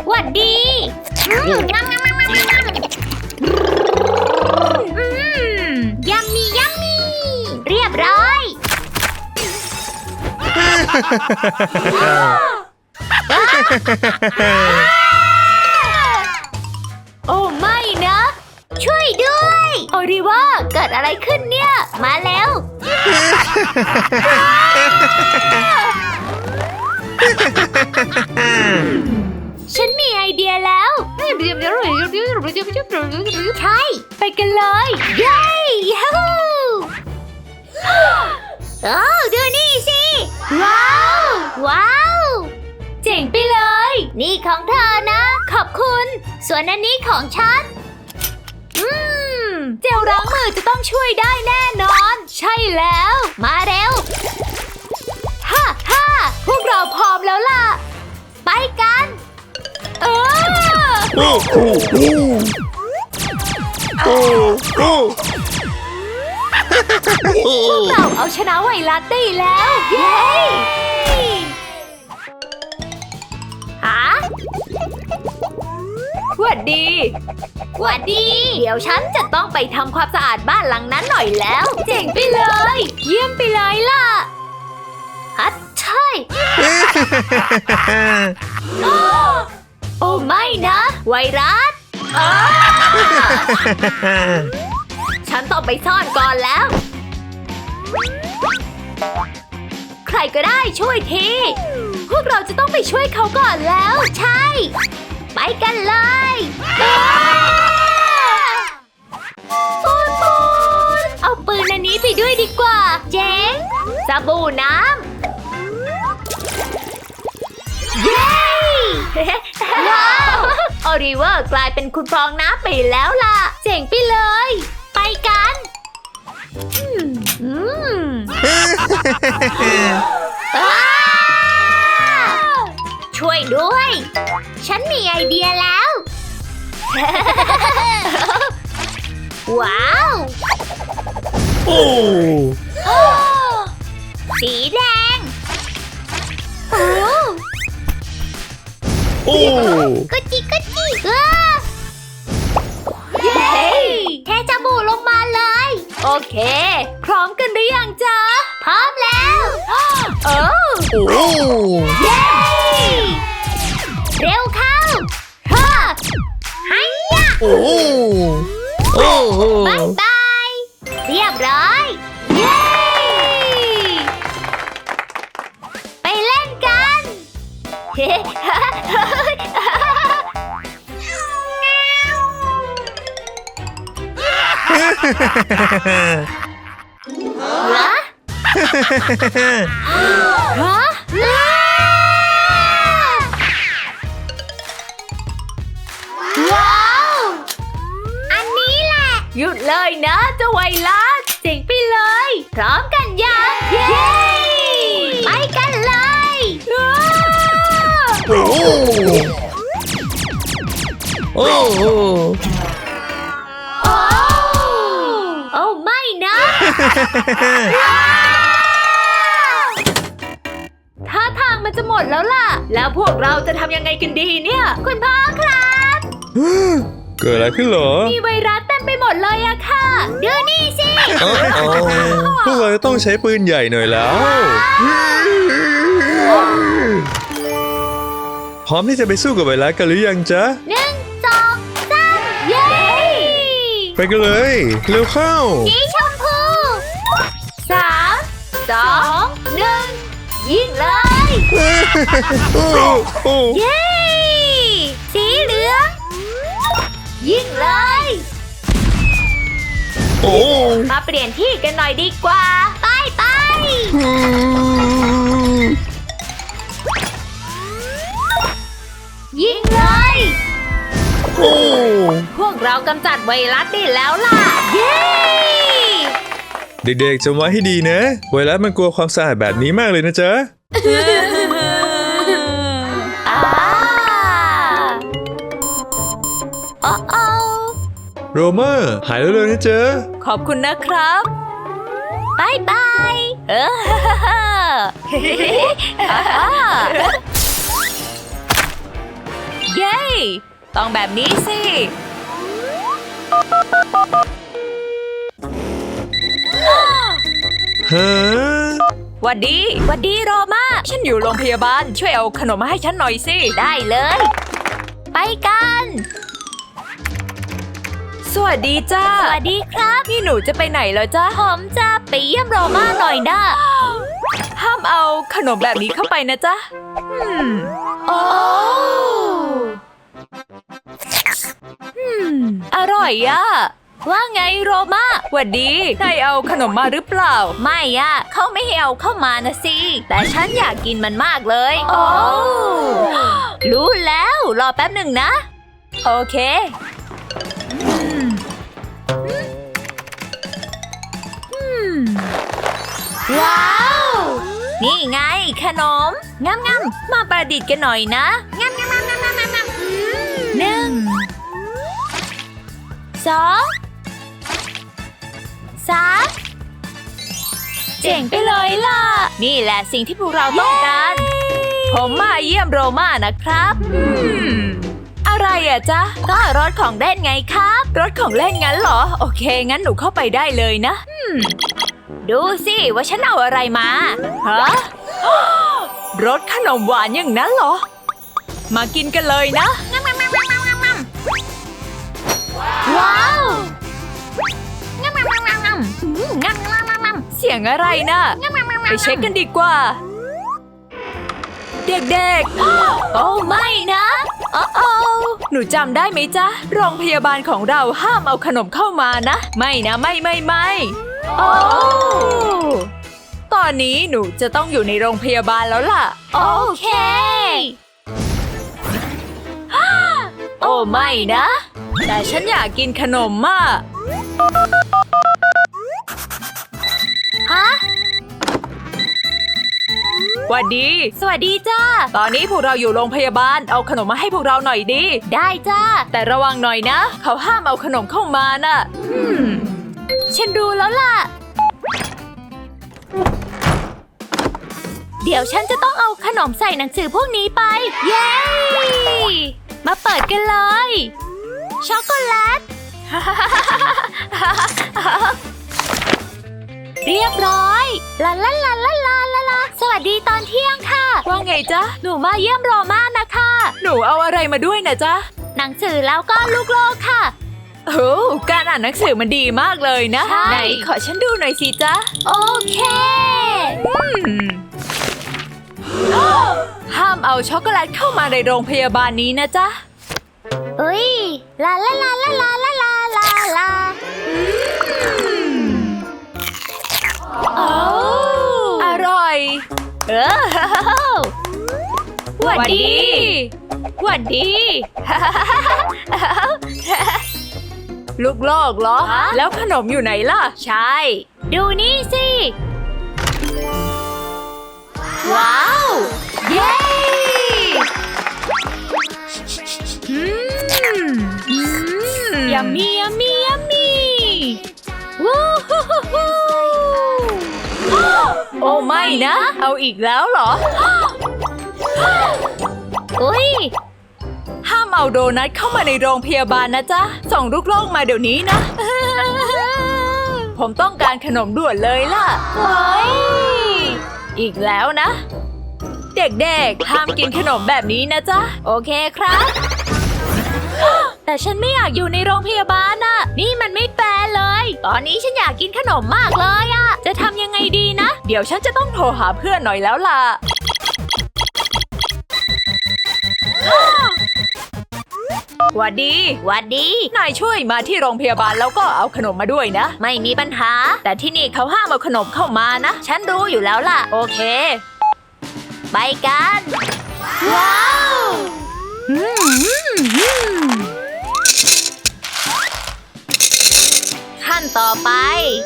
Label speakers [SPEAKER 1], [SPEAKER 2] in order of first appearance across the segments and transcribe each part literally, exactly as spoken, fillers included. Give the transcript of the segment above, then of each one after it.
[SPEAKER 1] หวัดดีอืมยัมมี่ยัมมี่เรียบร้อยโอ้ไม่นะช่วยด้วยโอริว่าเกิดอะไรขึ้นเนี่ยมาแล้ว ฉันมีไอเดียแล้วใช่ไปกันเลยเย้ฮู้โอ้ดูนี่สิว้าวว้าวเจ๋งไปเลยนี่ของเธอนะขอบคุณส่วนอันนี้ของฉันอืมเจลล้างมือจะต้องช่วยได้แน่นอนใช่แล้วมาเร็วฮ่าฮ่าพวกเราพร้อมแล้วล่ะไปกันเออพวกเราเอาชนะไวรัสได้แล้วเย้ฮะหวัดดีหวัดดีเดี๋ยวฉันจะต้องไปทำความสะอาดบ้านหลังนั้นหน่อยแล้วเจ๋งไปเลยเยี่ยมไปเลยล่ะฮัทใช่โอ้ไม่นะไวรัสฉันต้องไปซ่อนก่อนแล้วใครก็ได้ช่วยทีพวกเราจะต้องไปช่วยเขาก่อนแล้วใช่ไปกันเลยปูนปูนเอาปืนอันนี้ไปด้วยดีกว่าเจ๋งสบู่น้ำเย้ว้าวโอริเวอร์กลายเป็นคุณฟองน้ำไปแล้วล่ะเจ๋งไปเลยไปกันอืมช่วยด้วยฉันมีไอเดียแล้วว้าวโอ้สีแดงโอ้โอ้กุจิกุจิเย้เทจมูกลงมาเลยโอเคพร้อมกันหรือยังจ๊ะพร้อมแล้วโอ้โอ้เย้เร็วเข้าฮ่าไฮยะโอ้โอ้บายบายเรียบร้อยเย้ไปเล่นกันเฮ้ฮะฮะว้าวอันนี้แหละหยุดเลยนะเจ้าไวรัสเจ๋งไปเลยพร้อมกันยังเย้ไปกันเลยโอ้โอ้โอ้ไม่นะท่าทางมันจะหมดแล้วล่ะแล้วพวกเราจะทำยังไงกันดีเนี่ยคุณพ่อครับ
[SPEAKER 2] เกิดอะไรขึ้นเหรอ
[SPEAKER 1] มีไวรัสเต็มไปหมดเลยอะค่ะดูนี่สิ
[SPEAKER 2] พวกเราจะต้องใช้ปืนใหญ่หน่อยแล้วพร้อมที่จะไปสู้กับไวรัสกันหรือยังจ๊ะ
[SPEAKER 1] หนึ่งสองสามเย้
[SPEAKER 2] ไปกันเลยเร็วเข้า
[SPEAKER 1] สีชมพูสามสองหนึ่งยิงเลยเย้สีเหลืองยิงเลย
[SPEAKER 2] โอ้
[SPEAKER 1] มาเปลี่ยนที่กันหน่อยดีกว่าไปไปยิงเลยโอ้พวกเรากำจัดไวรัสได้แล้วล่ะเย้
[SPEAKER 2] เด็กๆจำไว้ให้ดีนะไวรัสมันกลัวความสะอาดแบบนี้มากเลยนะจ๊ะโรเมอร์หายเร็วๆนะเจ๊
[SPEAKER 1] ขอบคุณนะครับบายบายเออ
[SPEAKER 3] เย้ ต้องแบบนี้สิ
[SPEAKER 2] ฮะ
[SPEAKER 3] หวัดดีหวัดดีโรมาฉันอยู่โรงพยาบาล ช่วยเอาขนมมาให้ฉันหน่อยสิ
[SPEAKER 1] ได้เลย ไปกัน
[SPEAKER 3] สวัสดีจ้า
[SPEAKER 1] สวัสดีครับ
[SPEAKER 3] นี่หนูจะไปไหนเหรอจ๊ะ
[SPEAKER 1] ผมจะไปเยี่ยมโรมาหน่อยนะ
[SPEAKER 3] ห้ามเอาขนมแบบนี้เข้าไปนะจ๊ะอืม
[SPEAKER 1] โอ้
[SPEAKER 3] อืม อร่อยอะ
[SPEAKER 1] ว่าไงโรมา
[SPEAKER 3] หวัดดีนายเอาขนมมาหรือเปล่า
[SPEAKER 1] ไม่อะเขาไม่ให้เอาเข้ามานะสิ แต่ฉันอยากกินมันมากเลย
[SPEAKER 3] โอ้
[SPEAKER 1] รู้แล้ว รอแป๊บหนึ่งนะ
[SPEAKER 3] โอเค
[SPEAKER 1] ว้าว นี่ไงขนมงามงาม
[SPEAKER 3] มาประดิษฐ์กันหน่อยนะ
[SPEAKER 1] งามงามงามงามงามงามหนึ่งสองสามเจ๋งไปเลยล่ะ นี่แหละสิ่งที่พวกเราต้องการ
[SPEAKER 3] ผมมาเยี่ยมโรมานะครับอืมอะไรอะจ๊ะ
[SPEAKER 1] ก็รถของเล่นไงครับ
[SPEAKER 3] รถของเล่นงั้นเหรอ โอเค งั้นหนูเข้าไปได้เลยนะ
[SPEAKER 1] ดูสิว่าฉันเอาอะไรมา
[SPEAKER 3] ฮะ รสขนมหวานอย่างนั้นเหรอ มากินกันเลยนะ
[SPEAKER 1] ว้าวงามงามงามงามอืมงามงามงามงาม
[SPEAKER 3] เสียงอะไรนะ ไปเช็คกันดีกว่า เด็ก
[SPEAKER 1] โอ้ไม่นะโอ้โอ้
[SPEAKER 3] ๆ หนูจำได้ไหมจ๊ะ โรงพยาบาลของเราห้ามเอาขนมเข้ามานะ ไม่นะ ไม่ไม่ไม่
[SPEAKER 1] โอ้
[SPEAKER 3] ตอนนี้หนูจะต้องอยู่ในโรงพยาบาลแล้วล่ะ
[SPEAKER 1] โอเค
[SPEAKER 3] โอ้ไม่นะ แต่ฉันอยากกินขนมมาก
[SPEAKER 1] ฮะ
[SPEAKER 3] หวัดดี
[SPEAKER 1] สวัสดีจ้า
[SPEAKER 3] ตอนนี้พวกเราอยู่โรงพยาบาล เอาขนมมาให้พวกเราหน่อยดิ
[SPEAKER 1] ได้จ้า
[SPEAKER 3] แต่ระวังหน่อยนะ เขาห้ามเอาขนมเข้ามาน่ะ
[SPEAKER 1] อืม ฉันรู้แล้วล่ะ เดี๋ยวฉันจะต้องเอาขนมใส่หนังสือพวกนี้ไป เย้ มาเปิดกันเลย ช็อกโกแลต เรียบร้อย ลาลาลาลาลาลาลาสวัสดีตอนเที่ยงค่ะ
[SPEAKER 3] ว่าไงจ๊ะ
[SPEAKER 1] หนูมาเยี่ยมโรมานะคะ
[SPEAKER 3] หนูเอาอะไรมาด้วยนะจ๊ะ
[SPEAKER 1] หนังสือแล้วก็ลูกโลกค่ะ
[SPEAKER 3] โอ้การอ่านหนังสือมันดีมากเลยนะ
[SPEAKER 1] ใช่
[SPEAKER 3] ไหนขอฉันดูหน่อยสิจ๊ะ
[SPEAKER 1] โอเค
[SPEAKER 3] อืม ห้ามเอาช็อกโกแลตเข้ามาในโรงพยาบาลนี้นะจ๊ะ
[SPEAKER 1] เอ้ย ลาลาลาลาลาลาลาลาลา
[SPEAKER 3] โอ้อร่อย
[SPEAKER 1] เออ
[SPEAKER 3] หวัดดีหวัดดี ลูกโลกเหรอ
[SPEAKER 1] ฮะ
[SPEAKER 3] แล้วขนมอยู่ไหนล่ะ
[SPEAKER 1] ใช่ ดูนี่สิ ว้าว เย้
[SPEAKER 3] อืมอืม
[SPEAKER 1] ยัมมี่ยัมมี่ยัมมี่วู้ฮู้ฮู้ฮู้
[SPEAKER 3] โอ้ไม่นะ เอาอีกแล้วเหรอ
[SPEAKER 1] อุ้ย
[SPEAKER 3] ห้ามเอาโดนัทเข้ามาในโรงพยาบาลนะจ๊ะ ส่งลูกโลกมาเดี๋ยวนี้นะ ผมต้องการขนมด่วนเลยล่ะ
[SPEAKER 1] เฮ้ย
[SPEAKER 3] อีกแล้วนะ เด็กๆ ห้ามกินขนมแบบนี้นะจ๊ะ
[SPEAKER 1] โอเคครับ แต่ฉันไม่อยากอยู่ในโรงพยาบาลน่ะ นี่มันไม่แฟร์เลย ตอนนี้ฉันอยากกินขนมมากเลยอะจะทำยังไงดีนะ
[SPEAKER 3] เดี๋ยวฉันจะต้องโทรหาเพื่อนหน่อยแล้วล่ะ หวัดดี
[SPEAKER 1] หวัดดี
[SPEAKER 3] นายช่วยมาที่โรงพยาบาลแล้วก็เอาขนมมาด้วยนะ
[SPEAKER 1] ไม่มีปัญหา
[SPEAKER 3] แต่ที่นี่เขาห้ามเอาขนมเข้ามานะ
[SPEAKER 1] ฉันรู้อยู่แล้วล่ะ
[SPEAKER 3] โอเค
[SPEAKER 1] ไปกัน ว้าวขั้นต่อไป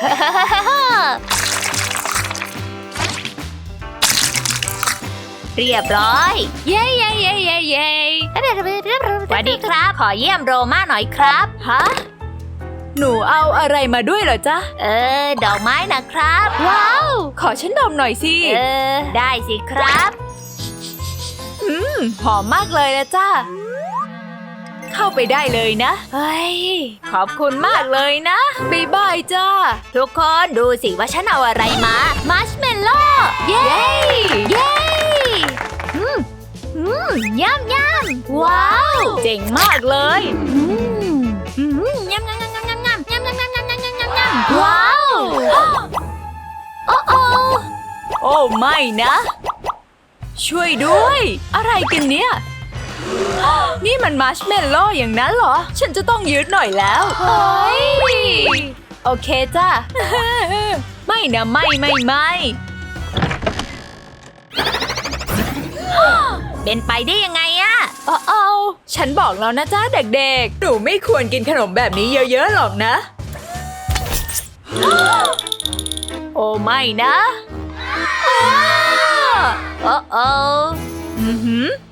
[SPEAKER 1] เรียบร้อย เย้เย้เย้เย้เย้สวัสดีครับ ขอเยี่ยมโรมาหน่อยครับ
[SPEAKER 3] ฮะ หนูเอาอะไรมาด้วยเหรอจ๊ะ
[SPEAKER 1] เออ ดอกไม้นะครับ ว้าว
[SPEAKER 3] ขอฉันดมหน่อยสิ
[SPEAKER 1] เออ ได้สิครับ
[SPEAKER 3] ออืมหอมมากเลยนะจ้าเข้าไปได้เลยนะเฮ้ยขอบคุณมากเลยนะบ๊ายบายจ้า
[SPEAKER 1] ทุกคนดูสิว่าฉันเอาอะไรมา มัชเมลโล่ เย้ เย้อืมอืมย่ำย่ำว้าว
[SPEAKER 3] เจ๋งมากเลย
[SPEAKER 1] อืมอืมย่ำย่ำย่ำย่ำย่ำย่ำย่ำย่ำย่ำย่ำย่ำย่ำย่ำย่ำว้าว โอ้โอ
[SPEAKER 3] โอ้ไม่นะ ช่วยด้วย อะไรกันเนี่ย นี่มันมัชเมลโล่อย่างนั้นเหรอ ฉันจะต้องยืดหน่อยแล้วเฮ้ยโอเคจ้า ไม่นะไม่ไม่ไม่
[SPEAKER 1] เป็นไปได้ยังไงอะ
[SPEAKER 3] เอาเอาฉันบอกแล้วนะจ้าเด็กๆ หนูไม่ควรกินขนมแบบนี้เยอะๆหรอกนะ โอ้ไม่นะ
[SPEAKER 1] โอ้โอ
[SPEAKER 3] อือหือ